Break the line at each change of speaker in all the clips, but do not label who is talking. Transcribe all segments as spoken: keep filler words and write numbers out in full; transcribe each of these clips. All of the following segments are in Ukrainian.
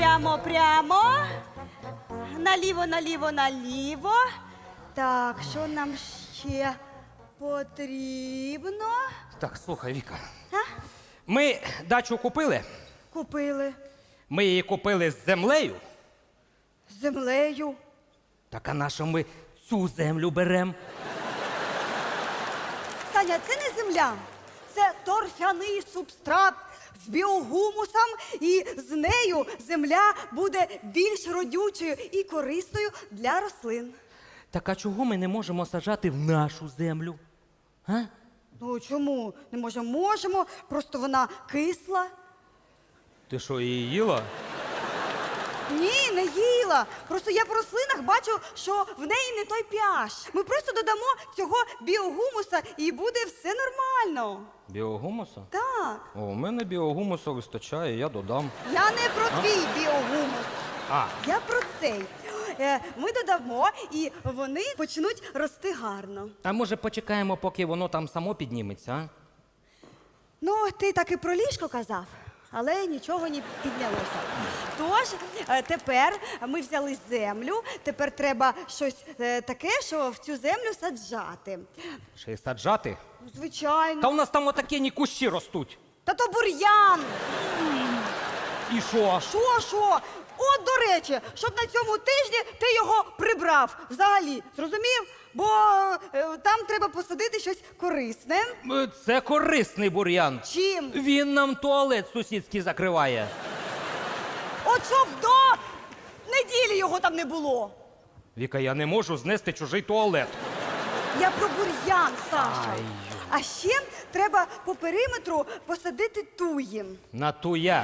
прямо, прямо. Наліво, наліво, наліво. Так, що нам ще потрібно?
Так, слухай, Віка.
А?
Ми дачу купили.
Купили
Ми її купили з землею.
з землею.
Так а на що ми цю землю беремо?
Саня, це не земля. Це торфяний субстрат з біогумусом, і з нею земля буде більш родючою і корисною для рослин.
Так а чого ми не можемо саджати в нашу землю? А?
Ну чому? Не можемо? Можемо, просто вона кисла.
Ти що, її їла?
Ні, не їла. Просто я по рослинах бачу, що в неї не той pH. Ми просто додамо цього біогумуса і буде все нормально.
Біогумуса?
Так.
О, у мене біогумусу вистачає, я додам.
Я не про твій біогумус.
А,
Я про цей. Е, Ми додамо, і вони почнуть рости гарно.
а може почекаємо, поки воно там само підніметься, а?
Ну, ти так і про ліжко казав, але нічого не піднялося. Тож, е, тепер ми взяли землю, тепер треба щось е, таке, що в цю землю саджати.
Ще й саджати?
Ну, звичайно.
Та у нас там отакі кущі ростуть.
Та то бур'ян!
І що?
Що, що? От, до речі, щоб на цьому тижні ти його прибрав взагалі, зрозумів? Бо е, там треба посадити щось корисне.
Е, Це корисний бур'ян.
Чим?
Він нам туалет сусідський закриває.
От щоб до неділі його там не було.
Віка, я не можу знести чужий туалет.
Я про бур'ян, Саша.
Ай.
А ще треба по периметру посадити туї.
На туя.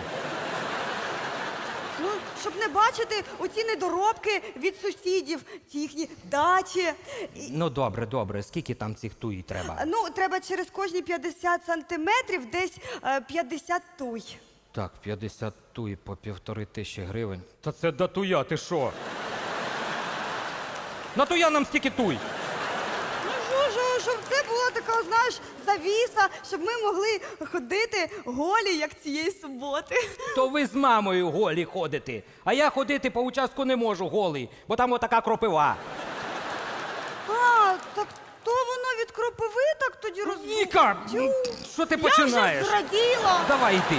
Ну, щоб не бачити оці недоробки від сусідів, ті їхні дачі. І,
Ну добре, добре. Скільки там цих туї треба?
ну, треба через кожні п'ятдесят сантиметрів десь е, п'ятдесят туй.
Так, п'ятдесят туї по півтори тисячі гривень. Та це до туя, ти що? На туя нам стільки туй.
Ну, що, що, щоб це була така, знаєш, завіса, щоб ми могли ходити голі, як цієї суботи.
То ви з мамою голі ходите, а я ходити по участку не можу голий, бо там отака кропива.
А, так то воно від кропиви так тоді розвивається.
Віка, ну, що ти починаєш?
Я вже зраділа.
Давай йди.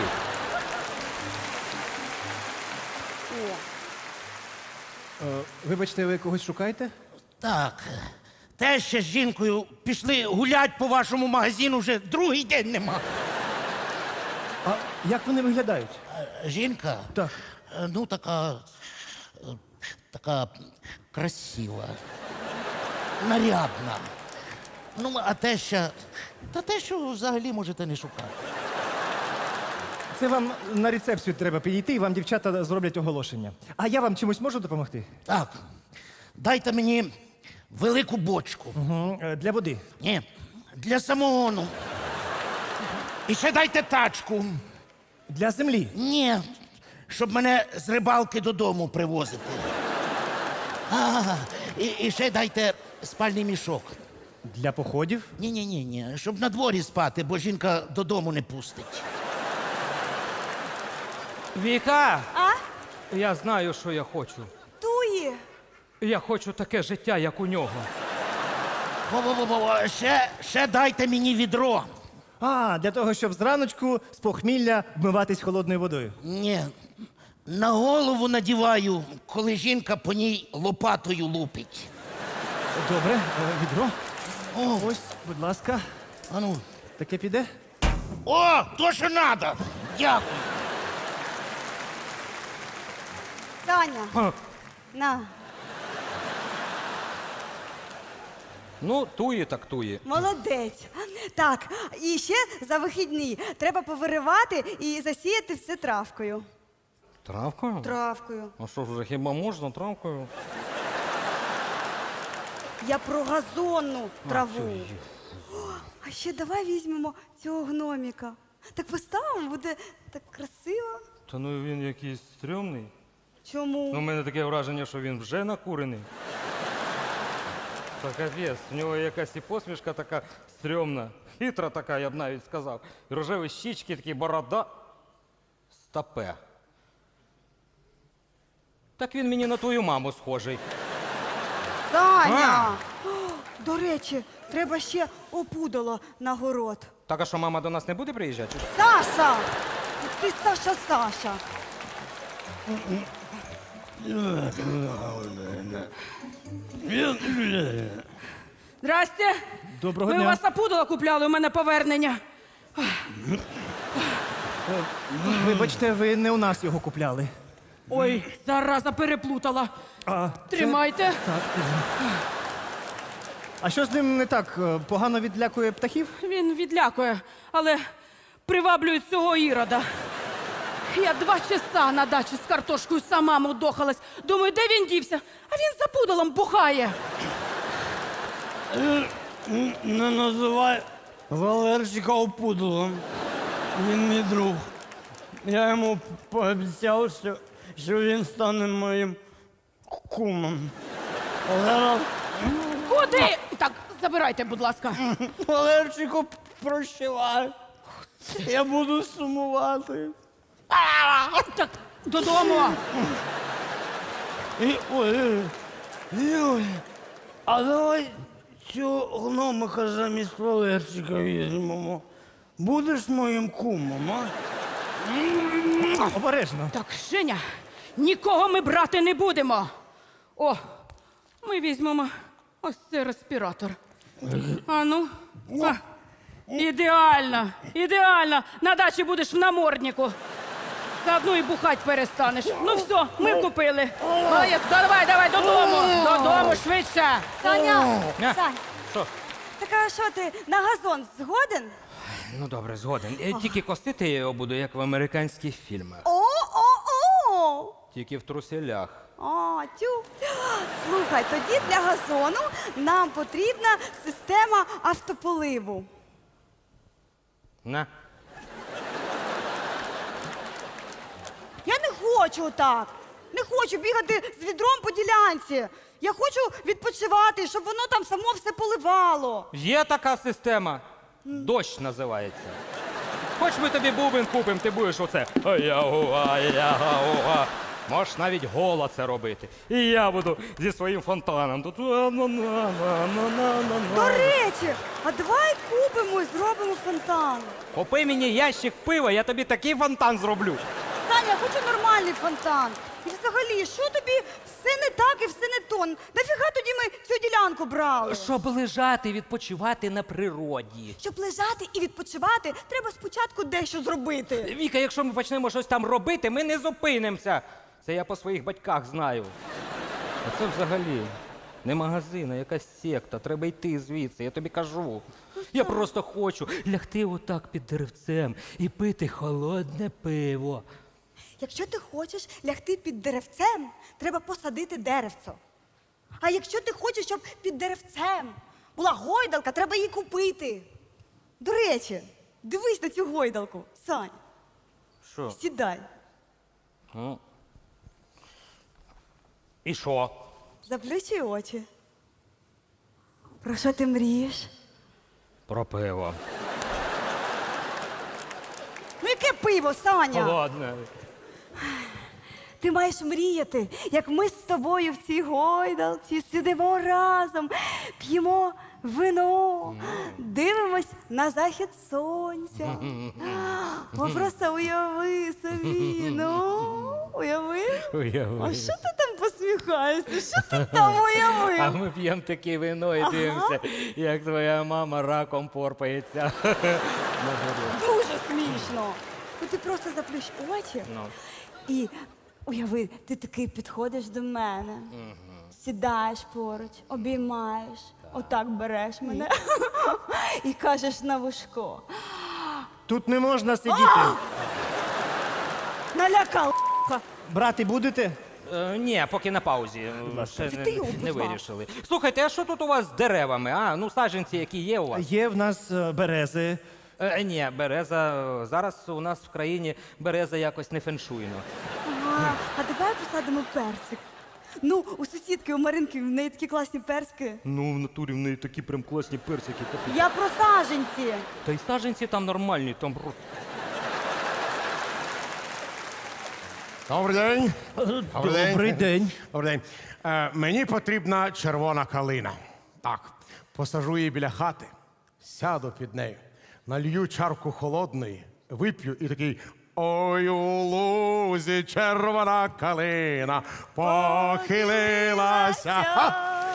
О,
Е, Вибачте, ви когось шукаєте?
Так, те ще з жінкою пішли гулять по вашому магазину, вже другий день нема.
А як вони виглядають?
Е, Жінка?
Так.
Е, Ну, така. е, така красива. Нарядна. Ну, а те ще. Та те, що взагалі можете не шукати.
Це вам на рецепцію треба підійти, і вам дівчата зроблять оголошення. А я вам чимось можу допомогти?
Так, дайте мені велику бочку.
Угу. Для води.
Ні, для самогону. І ще дайте тачку.
Для землі.
Ні, щоб мене з рибалки додому привозити. А, і, і ще дайте спальний мішок.
Для походів.
Ні, ні, ні, ні, щоб на дворі спати, бо жінка додому не пустить.
Віка,
а?
я знаю, що я хочу.
Туї.
Я хочу таке життя, як у нього.
Во-во-во, ще, ще дайте мені відро.
А, для того, щоб зраночку з похмілля вмиватись холодною водою.
Ні, на голову надіваю, коли жінка по ній лопатою лупить.
Добре, е, відро.
О,
Ось, будь ласка.
а ну.
Таке піде?
О, то, що надо. Дякую.
Саня,
Ха.
на,
Ну, туї так туї.
молодець. Так, і ще за вихідні треба повиривати і засіяти все травкою.
Травкою?
Травкою.
А що ж, вже хіба можна травкою?
Я про газонну траву.
цю
А ще давай візьмемо цього гноміка. Так поставимо, буде так красиво.
Та ну він якийсь стрьомний.
Чому?
Ну, у мене таке враження, що він вже накурений. Та капець, в нього якась і посмішка така стрьомна, хитра така, я б навіть сказав. І рожеві щічки, такі борода. Стопе. Так він мені на твою маму схожий.
Саня! О, до речі, треба ще опудало на город.
Так, а що мама до нас не буде приїжджати?
Саша! Ти Саша, Саша.
Здрасте.
Доброго
Ми
дня.
у вас опудало купляли, у мене повернення.
Вибачте, ви не у нас його купляли.
Ой, зараза переплутала.
А,
Тримайте.
а що з ним не так? Е, Погано відлякує птахів?
Він відлякує, але приваблює цього ірода. Я два часа на дачі з картошкою сама мудохалась. Думаю, де він дівся? А він за пудалом бухає.
Не називай Валерчика опудалом. Він мій друг. Я йому пообіцяв, що, що він стане моїм кумом. Валера,
Куди? Так, забирайте, будь ласка.
Валерчику, прощавай. Я буду сумувати.
Так, додому.
І, ой, ой, а давай цього гномика замість Валерчика візьмемо. Будеш моїм кумом, а?
Обережно.
Так, Женя, нікого ми брати не будемо. О, ми візьмемо ось цей респіратор. А ну. А, ідеально, ідеально. На дачі будеш в наморднику. Заодно і бухать перестанеш. Ну все, ми купили. Молодець, давай, давай, додому. Додому швидше.
Саня!
А?
Сань,
Що?
так а що ти на газон згоден?
Ну добре, згоден. Е, Тільки косити я його буду, як в американських фільмах.
О-о-о!
Тільки в труселях.
А, тю. Слухай, тоді для газону нам потрібна система автополиву.
На.
Я не хочу так. Не хочу бігати з відром по ділянці. Я хочу відпочивати, щоб воно там само все поливало.
Є така система. Дощ називається. Хоч ми тобі бубен купимо, ти будеш оце. Ая-уа, ая-уа. Можеш навіть голо це робити. І я буду зі своїм фонтаном. Тут.
До речі, а давай купимо і зробимо фонтан.
Купи мені ящик пива, я тобі такий фонтан зроблю.
Таня, я хочу нормальний фонтан. І взагалі, що тобі все не так і все не то? Нафіга тоді ми цю ділянку брали?
Щоб лежати, відпочивати на природі.
Щоб лежати і відпочивати, треба спочатку дещо зробити.
Віка, якщо ми почнемо щось там робити, ми не зупинимося. Це я по своїх батьках знаю. А це взагалі не магазин, а якась секта. Треба йти звідси, я тобі кажу. Я просто хочу лягти отак під деревцем і пити холодне пиво.
Якщо ти хочеш лягти під деревцем, треба посадити деревцо. А якщо ти хочеш, щоб під деревцем була гойдалка, треба її купити. До речі, дивись на цю гойдалку, Сань.
Що?
Сідай.
Ну. І що?
Заплющуй очі. Про що ти мрієш?
Про пиво.
Ну яке пиво, Саня?
Холодне.
Ти маєш мріяти, як ми з тобою в цій гойдалці сидимо разом, п'ємо вино, дивимось на захід сонця. О, просто уяви собі, ну, уяви.
Уяви.
А що ти там посміхаєшся? Що ти там
А
уявив?
ми п'ємо таке вино і дивимося, як твоя мама раком порпається.
Дуже смішно. Ну ти просто заплющ очі
Ну.
і уяви, ти такий підходиш до мене, сідаєш поруч, обіймаєш, отак береш мене і кажеш на вушко.
Тут не можна сидіти.
Налякав.
Брати будете?
Е, ні, поки на паузі. Ще
Ти
не,
його
не
позвав.
вирішили. Слухайте, а що тут у вас з деревами? А, ну саджанці, які є у вас?
Є в нас е, берези.
Е, ні, береза. е, Зараз у нас в країні береза якось не феншуйно.
Ага, а давай посадимо персик. Ну, у сусідки, у Маринки, в неї такі класні персики.
Ну, в натурі в неї такі прям класні персики.
Я про саженці.
Та й саджанці там нормальні, там.
Добрий день.
Добрий день.
Добрий день. Е, мені потрібна червона калина. Так, посажу її біля хати, сяду під нею, налью чарку холодної, вип'ю і такий. Ой, у лузі червона калина похилилася. А!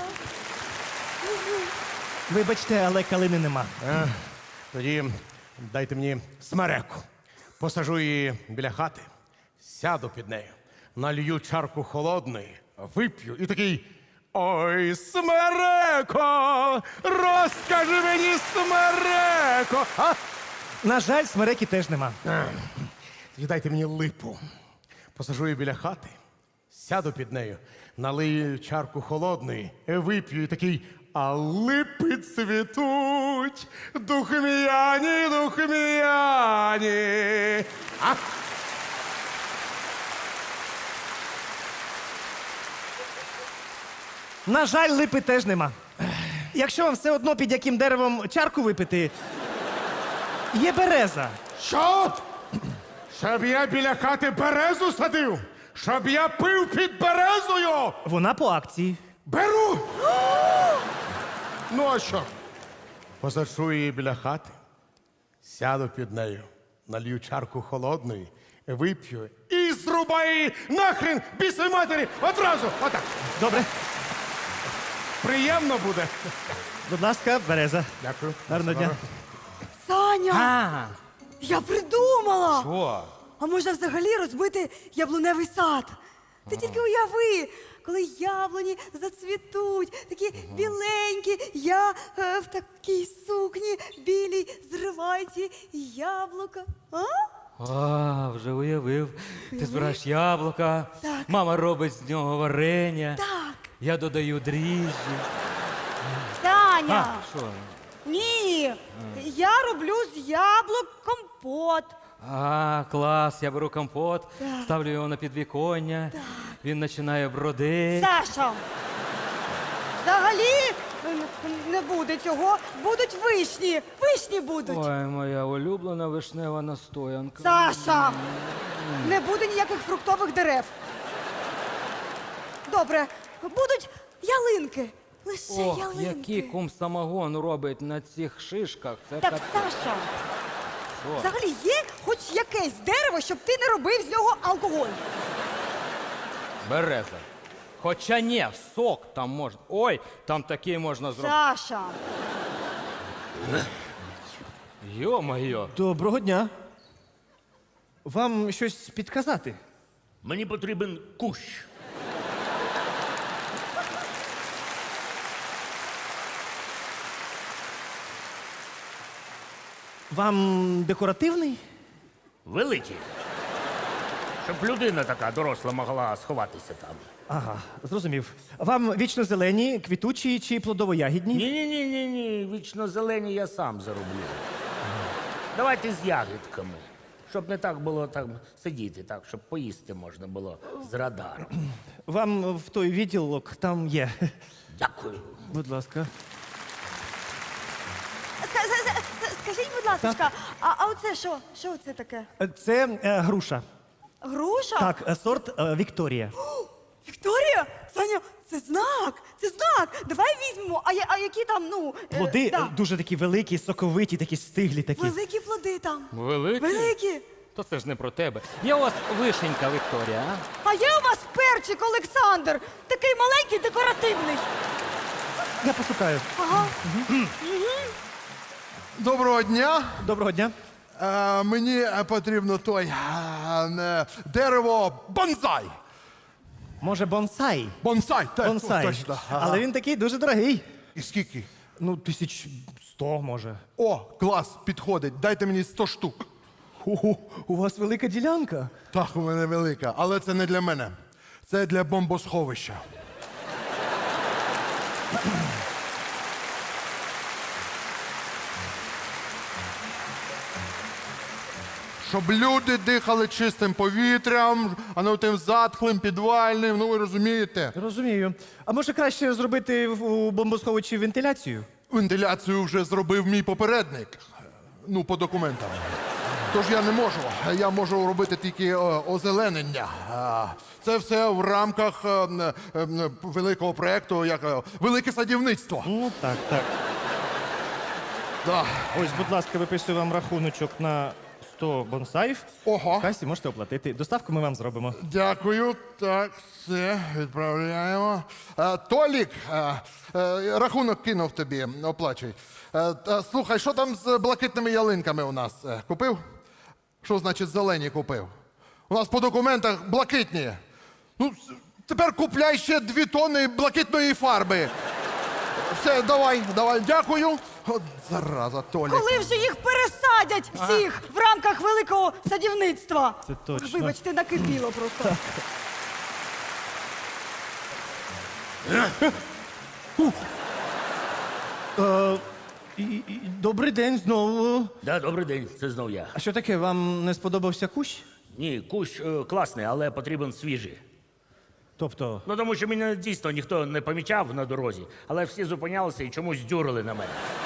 Вибачте, але калини нема.
Е, тоді дайте мені смереку. Посажу її біля хати, сяду під нею, налью чарку холодної, вип'ю і такий. Ой, смереко! Розкажи мені, смереко! А?
На жаль, смереки теж нема.
Тоді дайте мені липу. Посажу її біля хати, сяду під нею, налию чарку холодної, вип'ю і такий. А липи цвітуть, духмяні, духмяні. А?
На жаль, липи теж нема. Якщо вам все одно під яким деревом чарку випити, є береза.
Що? Щоб я біля хати березу садив? Щоб я пив під березою?
Вона по акції.
Беру! Ну а що? Посаджу її біля хати, сяду під нею, налью чарку холодної, вип'ю і зрубаю її нахрен бісовій матері одразу. Отак.
Добре.
Приємно буде.
Будь ласка, береза.
Дякую.
Гарного дня.
Саня,
А,
я придумала!
що?
А можна взагалі розбити яблуневий сад? Ти тільки уяви, коли яблуні зацвітуть, такі біленькі, я е, в такій сукні білій зриваю ці яблука. А?
А, вже уявив. Ти збираєш яблука,
Так.
мама робить з нього варення.
Так.
Я додаю дріжджі.
Саня!
А, що?
Ні! Я роблю з яблук компот.
А, клас, я беру компот, ставлю його на підвіконня, він починає бродити.
Саша! Взагалі н- не буде цього. Будуть вишні. Вишні будуть.
Ой, моя улюблена вишнева настоянка.
Саша! Не буде ніяких фруктових дерев. Добре, будуть ялинки. Лише
Ох,
ялинки.
який кум самогон робить на цих шишках. Це
Так,
капець.
Саша,
Що?
взагалі є хоч якесь дерево, щоб ти не робив з нього алкоголь.
Береза. Хоча ні, сок там можна. Ой, там такий можна зробити.
Саша.
Йо-моє.
Доброго дня. Вам щось підказати?
Мені потрібен кущ.
Вам декоративний?
Великий. Щоб людина така доросла могла сховатися там.
Ага, зрозумів. Вам вічно зелені, квітучі чи плодово-ягідні?
Ні, ні, ні, ні, ні. Вічно зелені я сам зароблю. Давайте з ягідками. Щоб не так було там сидіти, так, щоб поїсти можна було з радаром.
Вам в той відділок там є.
Дякую.
Будь ласка.
Ска- ска- ска- Скажіть, будь ласка, а, а оце що? Що це таке?
Це е, груша.
Груша?
Так, е, сорт е, Вікторія.
Вікторія? Саня, це знак, це знак. Давай візьмемо. А, я- а які там, ну. е,
Плоди
да.
е, дуже такі великі, соковиті, такі стиглі такі.
Великі плоди там.
Великий?
Великі.
То це ж не про тебе. Є у вас вишенька, Вікторія, а?
А є у вас перчик Олександр, такий маленький, декоративний.
Я пошукаю.
Ага.
Доброго дня.
Доброго дня.
Е, мені е, потрібно той е, е, дерево бонсай.
Може, бонсай?
Бонсай, так,
Бонсай.
точно. Ага.
Але він такий дуже дорогий.
І скільки?
Ну, тисяч сто, може.
О, клас, підходить. Дайте мені сто штук.
Ого, у вас велика ділянка.
Так, у мене велика, але це не для мене. Це для бомбосховища. Щоб люди дихали чистим повітрям, а не тим затхлим, підвальним, ну ви розумієте.
Розумію. А може краще зробити в- у бомбосховищі вентиляцію?
Вентиляцію вже зробив мій попередник. Ну, по документам. Тож я не можу. Я можу робити тільки е, озеленення. А, Це все в рамках е, е, е, великого проєкту, як е, велике садівництво.
Ну, так, так.
Да.
Ось, будь ласка, виписую вам рахуночок на сто бонсаїв.
Ого.
В касі можете оплатити. Доставку ми вам зробимо.
Дякую. Так, все, відправляємо. Е, Толік, е, е, рахунок кинув тобі, оплачуй. Е, та, слухай, що там з блакитними ялинками у нас? Е, Купив? Що значить зелені купив? У нас по документах блакитні. Ну, с- тепер купляй ще дві тони блакитної фарби. Все, давай, давай, дякую. От зараза, Толік.
Коли вже їх пересадять всіх в рамках великого садівництва?
Це точно.
Вибачте, накипіло просто.
Е, і- і- Добрий день знову.
Да, добрий день, це знов я.
А що таке, вам не сподобався кущ?
Ні, кущ е, класний, але потрібен свіжий.
Тобто,
Ну тому що мене дійсно ніхто не помічав на дорозі, але всі зупинялися і чомусь дюрили на мене.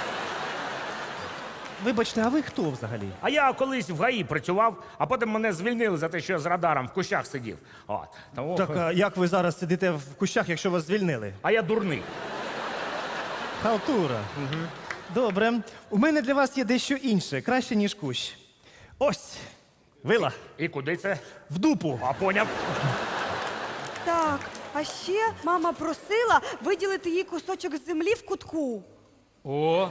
вибачте, а ви хто взагалі?
А я колись в ГАІ працював, а потім мене звільнили за те, що я з радаром в кущах сидів. От. Тому...
Так, а як ви зараз сидите в кущах, якщо вас звільнили?
А я дурний.
Халтура. Добре. У мене для вас є дещо інше, краще, ніж кущ. Ось, вила,
І куди це?
в дупу.
А поняв.
Так, а ще мама просила виділити їй кусочок землі в кутку.
О,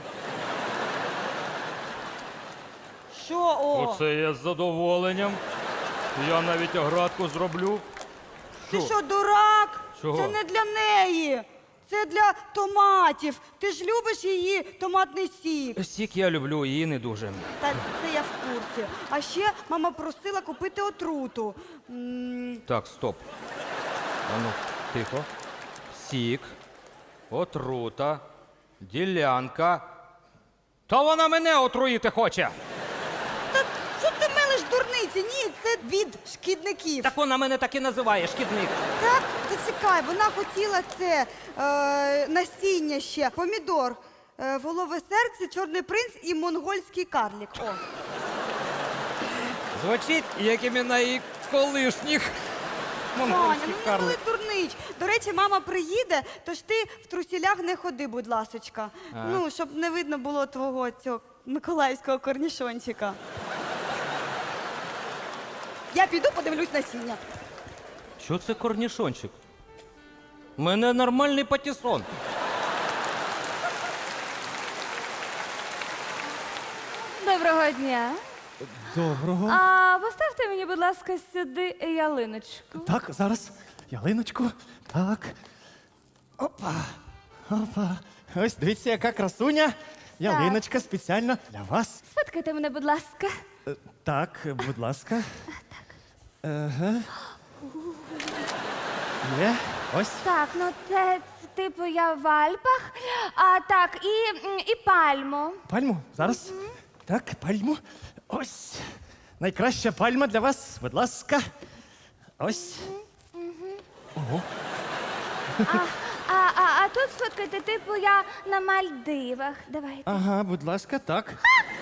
Що о?
оце я з задоволенням. Я навіть оградку зроблю.
Ти що, дурак?
Чого?
Це не для неї. Це для томатів. Ти ж любиш її томатний сік.
Сік я люблю, її не дуже.
Та це я в курсі. А ще мама просила купити отруту. М,
Так, стоп. Ану, тихо. Сік, отрута, ділянка. Та вона мене отруїти хоче.
Та що ти мелиш дурниці? Ні, це від шкідників.
Так вона мене так і називає, шкідник.
Так, зачекай, вона хотіла це е, насіння ще, помідор, е, волове серце, чорний принц і монгольський карлік. О.
Звучить, як імена її колишніх.
Таня,
Монгольський
ну не
карлик.
були дурнич. До речі, мама приїде, тож ти в трусілях не ходи, будь ласочка. Ну, щоб не видно було твого цього миколаївського корнішончика. Я піду подивлюсь насіння.
Що це корнішончик? У мене нормальний патісон.
Доброго дня.
Доброго.
А поставте мені, будь ласка, сюди ялиночку.
Так, зараз. Ялиночку. Так. Опа. Опа. Ось дивіться, яка красуня. Ялиночка спеціально для вас.
Сфоткайте мене, будь ласка.
Е, Так, будь ласка. Ага. Є. Ось.
Так, ну це, це типу я в Альпах. А так, і, м, і пальму.
Пальму. Зараз. Так, пальму. Ось. Найкраща пальма для вас. Будь ласка. Ось.
А, а, а, а тут сфоткайте, типу я на Мальдивах. Давайте.
Ага, будь ласка, так.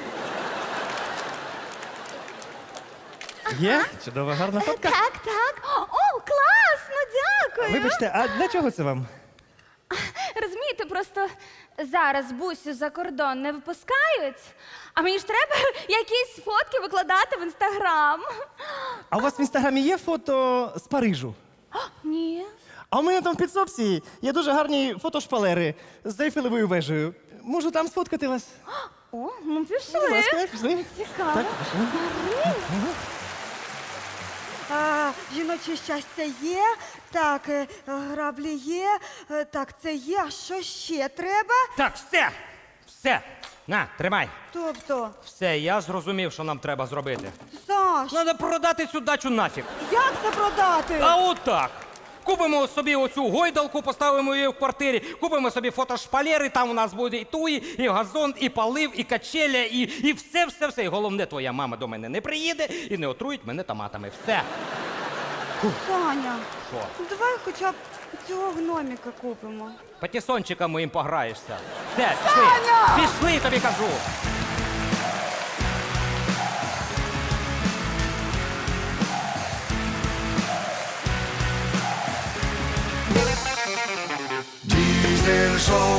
Є? Чудова, гарна фотка.
Так, так. О, класно, дякую.
Вибачте, а для чого це вам?
Розумієте, просто зараз бусю за кордон не випускають, а мені ж треба якісь фотки викладати в інстаграм.
А у вас в інстаграмі є фото з Парижу?
Ні.
А у мене там в підсобці є дуже гарні фотошпалери з Ейфелевою вежею. Можу там сфоткати вас?
О, ну пішли.
Будь ласка, пішли.
Цікаво.
Так, пішли.
А, жіноче щастя є, так, е, граблі є, е, так, це є. А що ще треба?
Так, все! Все! На, тримай.
Тобто,
Все, я зрозумів, що нам треба зробити.
Саш,
Треба продати цю дачу нафіг.
як це продати?
А отак. Купимо собі оцю гойдалку, поставимо її в квартирі, купимо собі фотошпалери, там у нас буде і туї, і газон, і полив, і качеля, і, і все, все, все. І головне, твоя мама до мене не приїде і не отруїть мене томатами. Все.
Саня,
Що?
ну давай хоча б цього гноміка купимо.
Патісончиком моїм пограєшся. Все, пішли. Пішли, тобі кажу.
прийшов